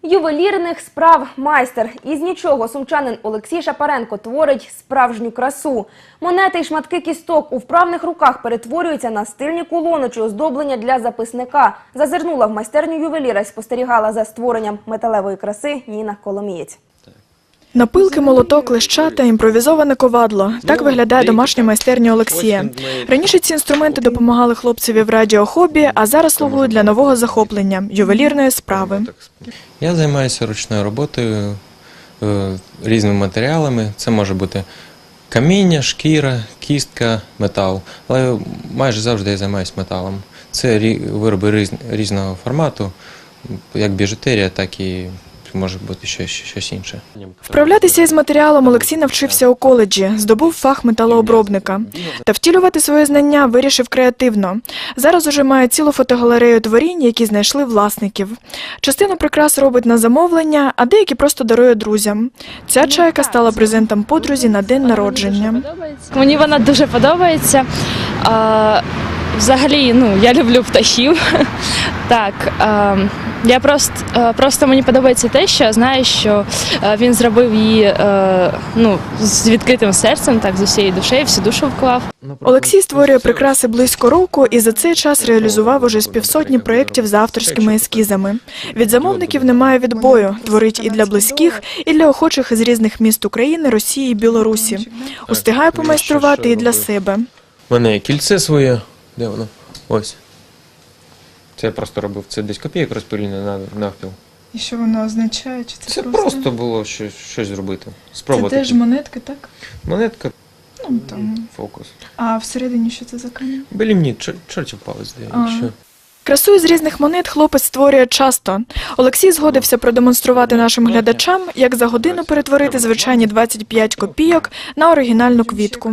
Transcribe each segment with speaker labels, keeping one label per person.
Speaker 1: Ювелірних справ майстер. Із нічого сумчанин Олексій Шапаренко творить справжню красу. Монети й шматки кісток у вправних руках перетворюються на стильні кулони чи оздоблення для записника. Зазирнула в майстерню ювеліра і спостерігала за створенням металевої краси Ніна Коломієць.
Speaker 2: Напилки, молоток, леща та імпровізоване ковадло. Так виглядає домашня майстерня Олексія. Раніше ці інструменти допомагали хлопцеві в радіохобі, а зараз слугують для нового захоплення – ювелірної справи.
Speaker 3: Я займаюся ручною роботою, різними матеріалами. Це може бути каміння, шкіра, кістка, метал. Але майже завжди я займаюся металом. Це вироби різного формату, як біжутерія, так і може бути щось інше.
Speaker 2: Вправлятися із матеріалом Олексій навчився у коледжі, здобув фах металообробника. Та втілювати свої знання вирішив креативно. Зараз уже має цілу фотогалерею творінь, які знайшли власників. Частину прикрас робить на замовлення, а деякі просто дарує друзям. Ця чайка стала презентом подрузі на день народження.
Speaker 4: Мені вона дуже подобається. Взагалі, я люблю птахів. Так, просто мені подобається те, що я знаю, що він зробив її з відкритим серцем, так, з усією душею, всю душу вклав.
Speaker 2: Олексій створює прикраси близько року і за цей час реалізував уже з півсотні проєктів з авторськими ескізами. Від замовників немає відбою, творить і для близьких, і для охочих із різних міст України, Росії і Білорусі. Устигає помайструвати і для себе.
Speaker 3: У мене є кільце своє. Де воно? Ось. Це я просто робив. Це десь копійок розпилено навпіл.
Speaker 2: І що воно означає? Чи
Speaker 3: це просто було щось зробити. Спробувати.
Speaker 2: Це теж монетки, так?
Speaker 3: Монетка.
Speaker 2: Там.
Speaker 3: Фокус.
Speaker 2: А всередині що це за камінь?
Speaker 3: Белімніт, чортів палець.
Speaker 2: Красу із різних монет хлопець створює часто. Олексій згодився продемонструвати нашим глядачам, як за годину перетворити звичайні 25 копійок на оригінальну квітку.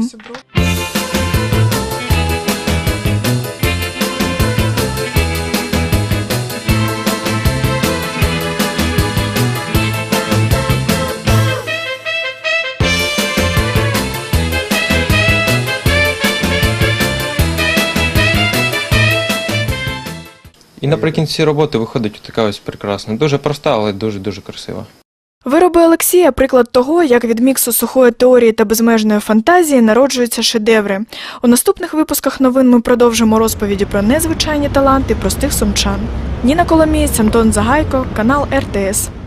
Speaker 3: І наприкінці роботи виходить така ось прекрасна. Дуже проста, але дуже-дуже красива.
Speaker 2: Вироби Олексія – приклад того, як від міксу сухої теорії та безмежної фантазії народжуються шедеври. У наступних випусках новин ми продовжимо розповіді про незвичайні таланти простих сумчан. Ніна Коломієць, Антон Загайко, канал РТС.